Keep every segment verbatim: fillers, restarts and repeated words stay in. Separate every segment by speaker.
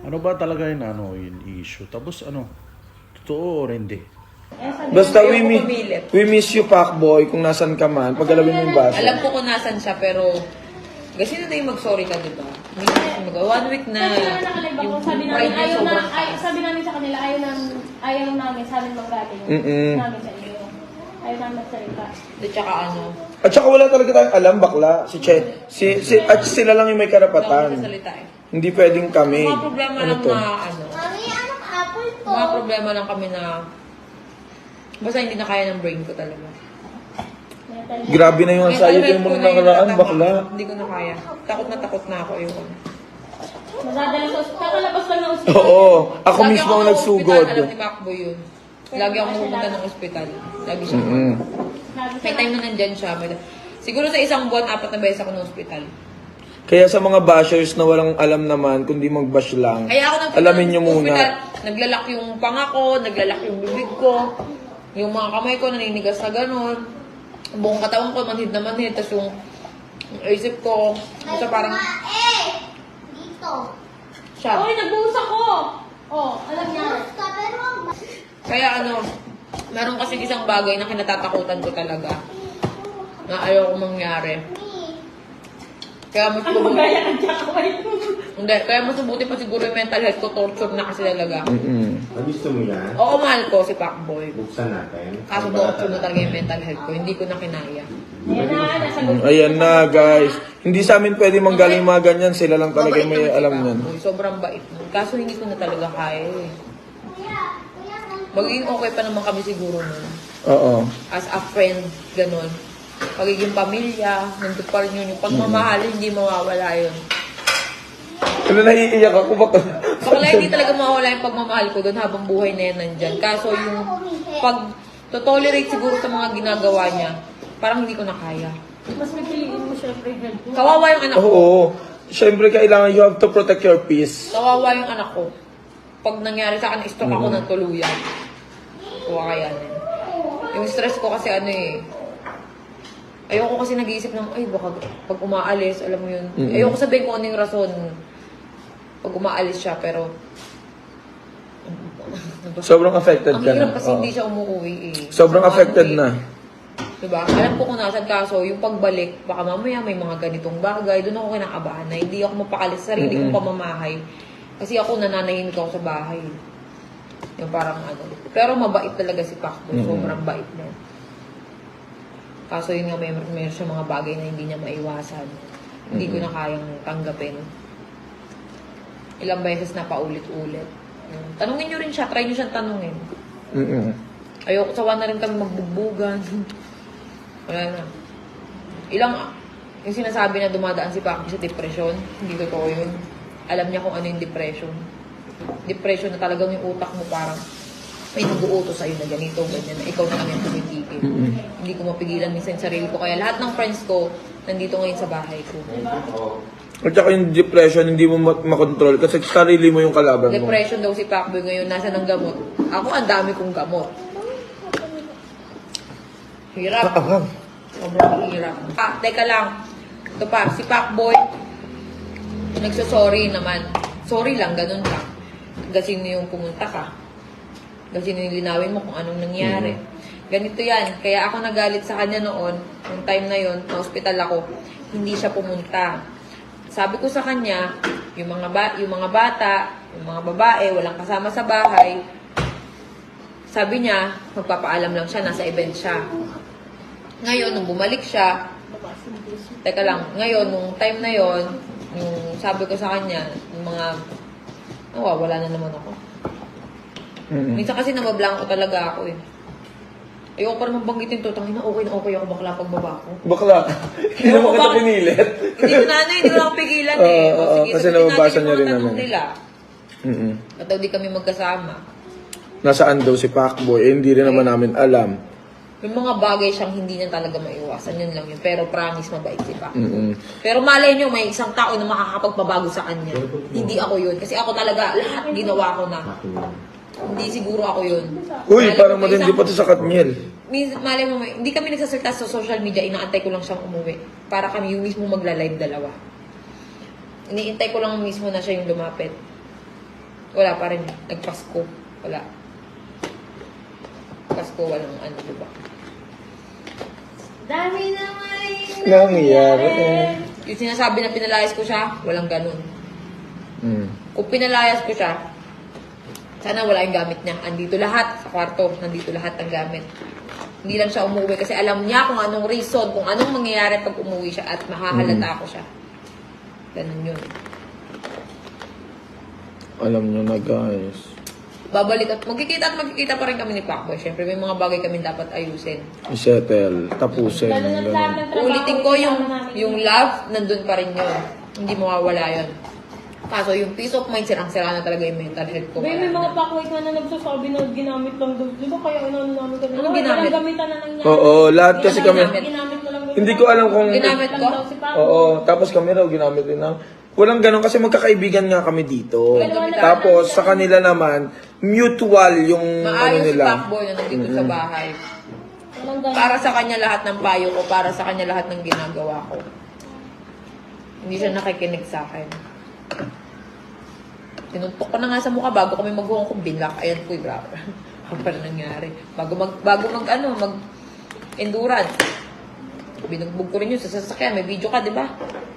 Speaker 1: Ano ba talaga yung ano, yung issue? Tapos ano, totoo or hindi?
Speaker 2: Eh, sabi
Speaker 3: Basta
Speaker 2: niya,
Speaker 3: we,
Speaker 2: ayoko
Speaker 3: mi-
Speaker 2: pumilit.
Speaker 3: we miss you, Pacboy, kung nasan ka man. Paggalawin mo yung baso.
Speaker 2: Alam ko kung nasan siya, pero kasi na tayo mag-sorry ka, di ba? Hindi na kasi mag- One week na
Speaker 4: Sabi namin nakalive ako, sabi namin,
Speaker 2: pride niya
Speaker 4: ayaw na,
Speaker 2: sobrang
Speaker 4: ay,
Speaker 2: taas.
Speaker 4: sabi namin sa kanila, ayaw namin, ayaw namin sa amin manggaling.
Speaker 3: Mm-mm.
Speaker 4: Namin sa inyo. Ayaw namin magsalita.
Speaker 2: At saka ano,
Speaker 3: At saka wala talaga tayong alam, bakla. Si Che. Si, si, at sila lang yung may
Speaker 2: hindi ako
Speaker 3: karapatan.
Speaker 2: magsasalita eh.
Speaker 3: Hindi pwedeng kami.
Speaker 2: Mga problema
Speaker 3: Ano
Speaker 2: lang
Speaker 3: to?
Speaker 2: na ano,
Speaker 5: Mami, anong apple to?
Speaker 2: mga problema lang kami na basta hindi na kaya ng brain ko talaga.
Speaker 3: Grabe na yung anxiety
Speaker 2: Mental
Speaker 3: mo
Speaker 2: health ko
Speaker 3: nung
Speaker 2: na yung
Speaker 3: nakaraan,
Speaker 2: natama.
Speaker 3: bakla.
Speaker 2: Hindi ko na kaya. Takot na takot na ako yung
Speaker 4: Madadala sa ospital. Kakalabas lang ng ospital.
Speaker 3: Oo, ako
Speaker 2: Lagi
Speaker 3: mismo ang
Speaker 2: ng
Speaker 3: nagsugod.
Speaker 2: ospital, alam ni Macbo yun. Lagi ako pumunta ng ospital. Lagi siya.
Speaker 3: Mm-mm.
Speaker 4: Lagi
Speaker 2: May time na nandyan siya. May... Siguro sa isang buwan, apat na beses ako ng ospital.
Speaker 3: Kaya sa mga bashers na walang alam naman, kundi mag-bash lang,
Speaker 2: Kaya ako nang
Speaker 3: alamin nyo muna.
Speaker 2: ospital, naglalak yung panga ko, naglalak yung bibig ko, yung mga kamay ko naninigas na gano'n. Buong katawan ko, manhid na manhid. Tapos yung, yung isip ko, basta parang
Speaker 5: Eh! Dito.
Speaker 2: siya.
Speaker 4: Oy, nagbuhos ako! Oh, alam niya.
Speaker 5: Basta, pero ang ba-
Speaker 2: Kaya ano, meron kasi isang bagay na kinatatakutan ko talaga. Na ayaw ko mangyari. Kaya mas
Speaker 4: Ano
Speaker 2: mabuti,
Speaker 4: magaya ng jakaway?
Speaker 2: hindi, kaya mas mabuti pa siguro yung mental health ko, torture na kasi talaga.
Speaker 3: Mm-mm.
Speaker 6: Ah, gusto mo yan?
Speaker 2: Oo, mahal ko si Pacboy.
Speaker 6: Buksan natin.
Speaker 2: Kaso torture na talaga yung mental health ko, hindi ko na kinaya.
Speaker 4: Ayan na, nasa
Speaker 3: Mm, Ayan na, guys. Hindi sa amin pwede manggaling mga ganyan. Sila lang talaga yung may
Speaker 2: Mabait naman si
Speaker 3: alam yan.
Speaker 2: Pacboy, sobrang bait nun. Kaso hindi ko na talaga kaya eh.
Speaker 5: Kuya, kuya, nandito.
Speaker 2: Magiging okay pa naman kami siguro nun.
Speaker 3: Oo.
Speaker 2: As a friend, ganun. Pagiging pamilya, nandun pa rin yun. Yung pagmamahal, hindi mawawala yun.
Speaker 3: Ano, naiiyak ako. Baka...
Speaker 2: Bakla hindi talaga mawawala yung pagmamahal ko doon habang buhay na yan nandyan. Kaso yung pag to-tolerate siguro sa mga ginagawa niya, parang hindi ko na kaya.
Speaker 4: Mas pipiliin mo syempre health mo.
Speaker 2: Kawawa yung anak ko.
Speaker 3: Oo. Siyempre, kailangan you have to protect your peace.
Speaker 2: Kawawa yung anak ko. Pag nangyari sa akin, stroke ako ng tuluyan. Kuha kaya na. Yung stress ko kasi ano eh, ayoko kasi nag-iisip ng, ay baka pag umaalis, alam mo yun.
Speaker 3: Mm-mm.
Speaker 2: Ayoko sabihin kung ano yung rason pag umaalis siya, pero
Speaker 3: Sobrang affected
Speaker 2: ang
Speaker 3: ka na.
Speaker 2: hirap kasi
Speaker 3: Oo.
Speaker 2: hindi siya umuwi eh.
Speaker 3: Sobrang
Speaker 2: Ano
Speaker 3: affected
Speaker 2: eh.
Speaker 3: na.
Speaker 2: Diba? Alam ko kung nasan kaso, yung pagbalik, baka mamaya may mga ganitong bagay, doon ako kinakabahan na hindi ako mapakalis sa sarili kong
Speaker 3: Mm-mm.
Speaker 2: pamamahay. Kasi ako nananahimik ako sa bahay. Yung parang ano. Pero mabait talaga si Pacboy.
Speaker 3: Mm-mm.
Speaker 2: Sobrang bait na. Kaso yun nga, may, may siya mga bagay na hindi niya maiwasan. Hindi ko na kayang tanggapin. Ilang beses na paulit-ulit. Yun. Tanungin nyo rin siya. Try nyo siyang tanungin.
Speaker 3: Mm-mm.
Speaker 2: Ayoko, sawa na rin kami magbugbugan. Wala na. Ilang, yung sinasabi na dumadaan si Pacboy sa depression, hindi totoo yun. Alam niya kung ano yung depression. Depression na talagang yung utak mo parang may nag-uutos sa'yo na ganito, ganyan, na ikaw na lang yung tumitigil. Hindi ko mapigilan minsan yung sarili ko. Kaya lahat ng friends ko, nandito ngayon sa bahay ko.
Speaker 3: At saka yung depression, hindi mo ma- makontrol kasi sarili mo yung kalaban mo.
Speaker 2: Depression daw si Pacboy ngayon, nasa ng gamot. Ako, ang dami kong gamot. Hirap. Sobrang hirap. Ah, teka lang. Ito pa, si Pacboy, nagsasorry naman. Sorry lang, ganun lang. Kasi yung pumunta ka. Kasi nilinawin mo kung anong nangyari. Ganito yan. Kaya ako nagalit sa kanya noon, yung time na yon, na hospital ako, hindi siya pumunta. Sabi ko sa kanya, yung mga, ba yung mga bata, yung mga babae, walang kasama sa bahay, sabi niya, magpapaalam lang siya, nasa event siya. Ngayon, nung bumalik siya, teka lang, ngayon, nung time na yon, yung sabi ko sa kanya, yung mga, oh, wala na naman ako.
Speaker 3: Mm-mm.
Speaker 2: Minsan kasi nabablanko talaga ako eh. Ayoko pa naman banggitin to, tangina, okay na okay ako bakla pagbaba ko.
Speaker 3: Bakla. Hindi mo kita
Speaker 2: Bakit?
Speaker 3: pinilit.
Speaker 2: Hindi ko na ano, hindi ko na ako pigilan eh.
Speaker 3: Oo,
Speaker 2: O,
Speaker 3: oo,
Speaker 2: sige,
Speaker 3: kasi
Speaker 2: sagutin
Speaker 3: nababasa
Speaker 2: natin yung
Speaker 3: niya
Speaker 2: mga
Speaker 3: rin
Speaker 2: tanong
Speaker 3: naman.
Speaker 2: nila.
Speaker 3: Mm-mm.
Speaker 2: At daw di kami magkasama.
Speaker 3: Nasaan daw si Pacboy? Eh, hindi rin naman namin alam.
Speaker 2: May mga bagay siyang hindi niya talaga maiwasan, yun lang yun. Pero promise, mabait si Pac.
Speaker 3: Mm-mm.
Speaker 2: Pero malay nyo, may isang tao na makakapagpabago sa kanya. Hindi ako yun. Kasi ako talaga, lahat ginawa ko na. Hindi siguro ako yun.
Speaker 3: Uy,
Speaker 2: Malay
Speaker 3: parang
Speaker 2: mo, may
Speaker 3: matindi
Speaker 2: isang-
Speaker 3: pa to sa Katniel.
Speaker 2: Min- malay mo, may- hindi kami nagsasalita sa social media, inaantay ko lang siyang umuwi. Para kami yung mismo magla-live dalawa. Iniintay ko lang mismo na siya yung lumapit. Wala pa rin. Nagpasko. Wala. Pasko, walang ano, diba?
Speaker 4: Dami naman
Speaker 3: Nangyayari.
Speaker 2: Yung sinasabi na pinalayas ko siya, walang ganun.
Speaker 3: Mm.
Speaker 2: Kung pinalayas ko siya, sana wala yung gamit niya. Andito lahat sa kwarto. Nandito lahat ng gamit. Hindi lang siya umuwi kasi alam niya kung anong reason, kung anong mangyayari pag umuwi siya at mahahalata ko siya. Ganun yun.
Speaker 3: Alam nyo na guys.
Speaker 2: Babalik at magkikita at magkikita pa rin kami ni Pacboy. Siyempre, may mga bagay kami dapat ayusin.
Speaker 3: I-settle. Tapusin.
Speaker 4: Lalo na
Speaker 3: ganun.
Speaker 4: lahat ng trabaho.
Speaker 2: Ulitin ko yung,
Speaker 4: kasama namin.
Speaker 2: yung love, nandun pa rin yun. Hindi mawawala yun. Kaso yung peace of mind, sirang-sira na talaga yung mental health ko.
Speaker 4: May, may
Speaker 2: Wala
Speaker 4: mga
Speaker 2: na.
Speaker 4: pakwait na na nagsasabi na ginamit lang daw. Di ba kaya inano namin kami?
Speaker 2: Anong ginamit?
Speaker 4: Walang gamitan na nangyari.
Speaker 3: Oo, lahat kasi
Speaker 2: Ginamit
Speaker 3: kami.
Speaker 2: namin.
Speaker 4: Ginamit mo lang daw.
Speaker 3: Hindi ko alam kung...
Speaker 2: Ginamit ko?
Speaker 4: Lang daw si Paco.
Speaker 3: Oo, tapos kami raw ginamit din na. Walang ganun kasi magkakaibigan nga kami dito.
Speaker 2: Walang gamitan.
Speaker 3: Tapos sa kanila naman, mutual yung ano
Speaker 2: Maayos si
Speaker 3: nila.
Speaker 2: Pacboy na nandito sa bahay.
Speaker 4: Walang ganun.
Speaker 2: Para sa kanya lahat ng payo ko, para sa kanya lahat ng ginagawa ko. Hindi siya nakikinig sa akin. Tinuntok ko na nga sa mukha bago kami maghuhong kong bilak. Ayan po, grabe. Ano pala nangyari? Bago mag, bago mag, ano, mag endurance. Binugbog ko rin yun sa sasakyan. May video ka, di ba?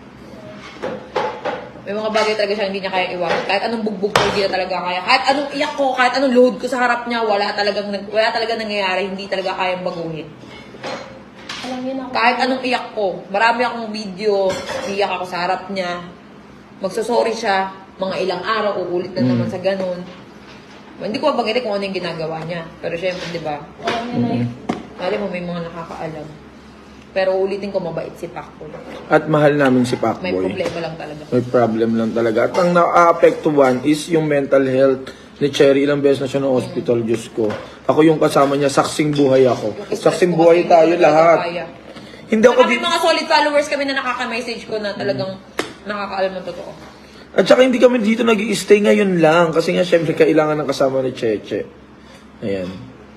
Speaker 2: May mga bagay talaga siya hindi niya kaya iwasan. Kahit anong bugbog ko, hindi na talaga kaya. Kahit anong iyak ko, kahit anong load ko sa harap niya, wala talagang, nag- wala talaga nangyayari. Hindi talaga kayang baguhin.
Speaker 4: Alam niyo na ako.
Speaker 2: Kahit anong iyak ko, marami akong video, iyak ako sa harap niya. Magsasorry siya, mga ilang araw, uulit na naman sa ganun. Hindi ko mabanggit kung ano yung ginagawa niya. Pero syempre, di ba?
Speaker 4: Alam niyo na yun.
Speaker 2: Alam mo, may mga nakakaalam. Pero ulitin ko, mabait si Pacboy.
Speaker 3: At mahal namin si
Speaker 2: May
Speaker 3: Pacboy.
Speaker 2: problema lang talaga.
Speaker 3: May problem lang talaga. At ang na-apektuhan is yung mental health ni Cherry. Ilang beses na siya ng hospital, Diyos ko. Ako yung kasama niya, saksing buhay ako. Saksing buhay tayo lahat. Hindi ako
Speaker 2: Kami
Speaker 3: di-
Speaker 2: mga solid followers kami na nakaka-message ko na talagang nakakaalam ng totoo.
Speaker 3: At saka hindi kami dito nag-i-stay ngayon lang. Kasi nga, syempre, kailangan ng kasama ni Cheche. Ayan.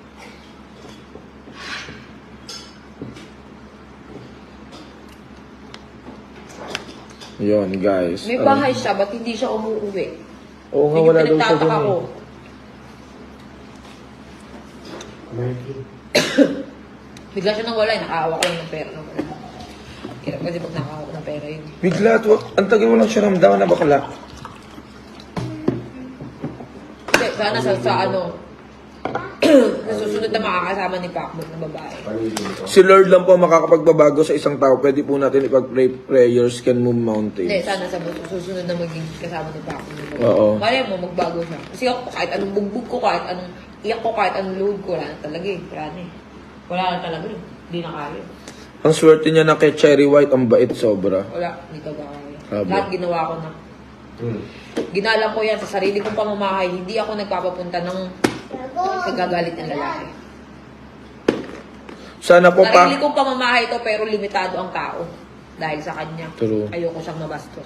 Speaker 3: Yun, guys.
Speaker 2: May
Speaker 3: Ano?
Speaker 2: bahay siya, ba't hindi siya umuwi?
Speaker 3: Oo nga,
Speaker 2: Yun yung
Speaker 3: wala daw siya
Speaker 2: pinagtataka
Speaker 3: dun
Speaker 2: ko.
Speaker 3: eh.
Speaker 2: Bigla siya nang wala, eh. Nakaawa ko lang ng pera. Nang wala. Hirap kasi pag nakaawa ko ng pera yun.
Speaker 3: Bigla, at wa- ang tagal mo lang siya ramdaman na bakla.
Speaker 2: Hindi, sana sa, sa ano, sa susunod na makakasama ni Pacboy na babae.
Speaker 3: Si Lord lang po ang makakapagbabago sa isang tao. Pwede po natin ipag-pray prayers can move
Speaker 2: Hindi,
Speaker 3: mountains.
Speaker 2: sana sa susunod na maging kasama ni Pacboy na babae.
Speaker 3: Oo.
Speaker 2: Malay mo, magbago siya. Kasi ako, kahit anong bugbog ko, kahit anong iyak ko, kahit anong load ko, wala na talaga eh. Wala na eh. Wala na talaga eh. Hindi na kaya.
Speaker 3: Ang swerte niya na kay Cherry White, ang bait sobra.
Speaker 2: Wala, hindi talaga kaya.
Speaker 3: Grabe.
Speaker 2: Lahat ginawa ko na. Ginalang ko yan sa sarili kong pamamahay. Hindi ako nagpapapunta ng kagagalit ng lalaki.
Speaker 3: Sana po pa...
Speaker 2: Sarili kong pamamahay ito pero limitado ang tao. Dahil sa kanya.
Speaker 3: True.
Speaker 2: Ayoko siyang mabastos.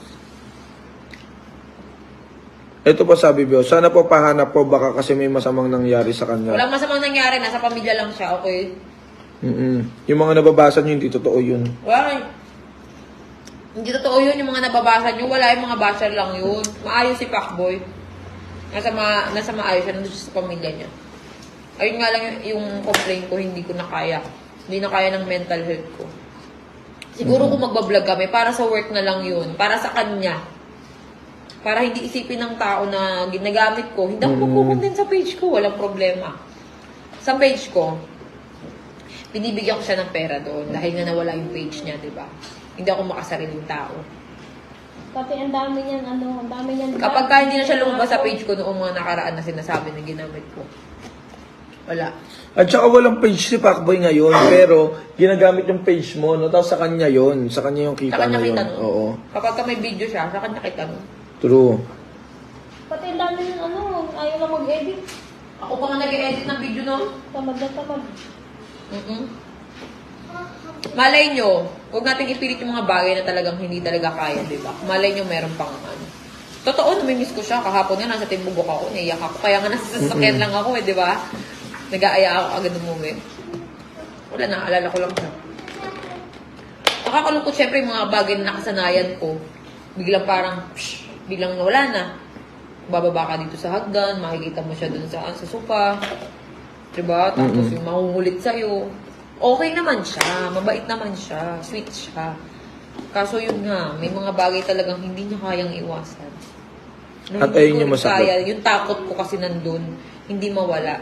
Speaker 3: Ito pa sabi Bio, sana po pahanap po baka kasi may masamang nangyari sa kanya.
Speaker 2: Walang masamang nangyari. Nasa pamilya lang siya. Okay?
Speaker 3: Mm-mm. Yung mga nababasa niyo, hindi totoo yun.
Speaker 2: Wala. Hindi totoo yun. Yung mga nababasa nyo. Wala, yung mga basher lang yun. Maayos si Pacboy. Nasa, ma nasa maayos siya. Nandun siya sa pamilya niya. Ayun nga lang yung, yung complaint ko. Hindi ko na kaya. Hindi na kaya ng mental health ko. Siguro kung magbablog kami, para sa work na lang yun. Para sa kanya. Para hindi isipin ng tao na ginagamit ko. Hindi ako magkukontent sa page ko. Walang problema. Sa page ko, binibigyan ko siya ng pera doon. Dahil nga nawala yung page niya, di ba? Hindi ako makasariling tao.
Speaker 4: Pati ang dami niyan, ano, ang dami niyan.
Speaker 2: Kapag ka hindi na siya lumabas sa page ko noong mga nakaraan na sinasabi na ginamit ko. Wala.
Speaker 3: At saka walang page si Pacboy ngayon, pero ginagamit yung page mo, no? Tapos sa kanya yon, sa kanya yung
Speaker 2: Sa
Speaker 3: kita
Speaker 2: kanya
Speaker 3: na yun.
Speaker 2: kita nun.
Speaker 3: Oo.
Speaker 2: Kapag ka may video siya, sa kanya kita nun.
Speaker 3: True.
Speaker 4: Pati ang dami niyan, ano, ayaw na mag-edit.
Speaker 2: Ako pa nga nag-edit ng video no?
Speaker 4: Tamad na tamad.
Speaker 2: Mm-mm. Malay nyo, huwag natin ipilit yung mga bagay na talagang hindi talaga kaya, di ba? Malay nyo meron pang ano. Totoo, namimiss ko siya. Kahapon nga, nasa timbugok ako, naiyak ako. Kaya nga nasa sasakyan lang ako, eh, di ba? Nag-aaya ako agad umuwi. Wala na, alala ko lang siya. Nakakalungkot syempre yung mga bagay na nakasanayan ko. Biglang parang, psh, biglang nawala na. bababa ka dito sa hagdan, makikita mo siya dun sa, sa sofa. Diba? Tapos yung mahuhulit sa'yo. Okay naman siya, mabait naman siya, sweet siya. Kaso yun nga, may mga bagay talagang hindi niya kayang iwasan. Na
Speaker 3: At
Speaker 2: hindi
Speaker 3: ayun
Speaker 2: ko
Speaker 3: yung
Speaker 2: rin
Speaker 3: masakit.
Speaker 2: kaya, yung takot ko kasi nandun, hindi mawala.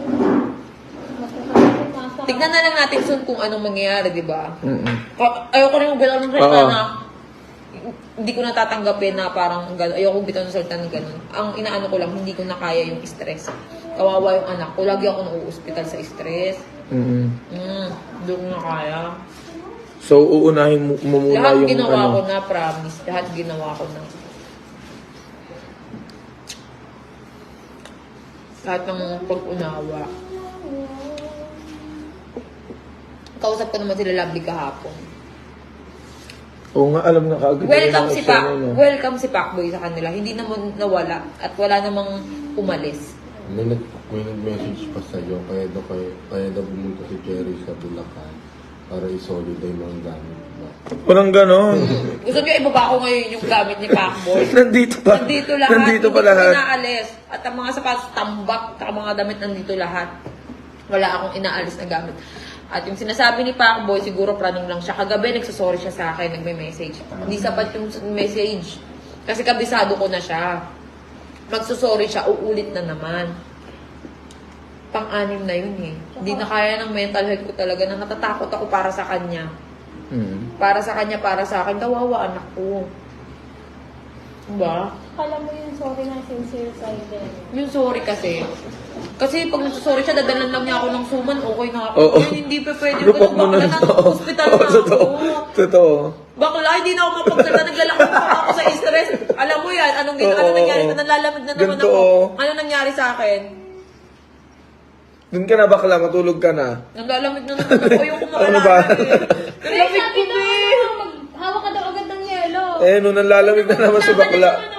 Speaker 2: Tignan na lang natin soon kung anong mangyayari, di ba?
Speaker 3: Mm-mm.
Speaker 2: Ka- Ayoko rin bitaw ng salita
Speaker 3: Oo.
Speaker 2: na hindi ko natatanggapin na parang gano'n. Ayoko bitaw ng salita ng gano'n. Ang inaano ko lang, hindi ko na kaya yung stress. Kawawa yung anak ko. Lagi ako nauuspital sa stress.
Speaker 3: Mm-mm.
Speaker 2: Mm, hindi ko na kaya.
Speaker 3: So, uunahin mo, mo muna
Speaker 2: Lahat
Speaker 3: yung
Speaker 2: ginawa
Speaker 3: ano.
Speaker 2: ko na, promise. Lahat ginawa ko na. Lahat ng pag-unawa. Kausap ko naman sila Lovely kahapon.
Speaker 3: Oo nga, alam na kaagad.
Speaker 2: Welcome
Speaker 3: yung
Speaker 2: si
Speaker 3: eksena
Speaker 2: Pac,
Speaker 3: niya.
Speaker 2: welcome si Pacboy sa kanila. Hindi naman nawala at wala namang umalis.
Speaker 6: May, nag, may nag-message pa sa'yo, kaya daw, kaya, kaya daw bumunta si Jerry sa Bulacan para isolid yung mga gamit mo.
Speaker 3: Walang ganon.
Speaker 2: Gusto niyo ibaba ko ngayon yung gamit ni Pacboy?
Speaker 3: Nandito pa.
Speaker 2: Nandito lahat.
Speaker 3: Nandito pa
Speaker 2: hindi
Speaker 3: lahat.
Speaker 2: ko inaalis. At ang mga sapatos, tambak, at mga damit nandito lahat. Wala akong inaalis na gamit. At yung sinasabi ni Pacboy, siguro praning lang siya. Kagabi, nagsasorry siya sa akin, nagme-message. Hindi sapat yung message. Kasi kabisado ko na siya. Magsasorry siya, uulit na naman. Pang-anim na yun eh. Hindi na kaya ng mental health ko talaga na natatakot ako para sa kanya.
Speaker 3: Mm.
Speaker 2: Para sa kanya, para sa akin. Kawawa anak ko. Diba?
Speaker 4: Kala mo yung sorry na sincere side eh.
Speaker 2: Yung sorry kasi. Kasi pag nagsasorry siya, dadalan lang niya ako ng suman, okay na ako.
Speaker 3: Oo.
Speaker 2: Ngayon, hindi pa pwede.
Speaker 3: Lupak mo na
Speaker 2: Bakla
Speaker 3: ito.
Speaker 2: na, hospital
Speaker 3: Oo,
Speaker 2: na
Speaker 3: totoo.
Speaker 2: ako.
Speaker 3: Totoo.
Speaker 2: Bakla, hindi na ako mapagsalita. Naglalakad pa ako sa stress. Alam mo yan, anong gina,
Speaker 3: Oo,
Speaker 2: ano nangyari
Speaker 3: oo.
Speaker 2: ko? Nalalamig na naman
Speaker 3: Ganito,
Speaker 2: ako.
Speaker 3: oo.
Speaker 2: Ano nangyari sa akin?
Speaker 3: Doon ka na bakla, matulog ka na.
Speaker 2: Nalalamig na naman ako. Yung
Speaker 3: Ano
Speaker 2: kumakalala
Speaker 3: ba?
Speaker 2: eh.
Speaker 4: Pero
Speaker 2: Nalamig
Speaker 4: sabi
Speaker 2: ko
Speaker 4: daw,
Speaker 2: eh.
Speaker 4: mag- hawak ka daw agad ng yelo.
Speaker 3: Eh, nung nalalamig na naman si bakla.
Speaker 4: Nakadala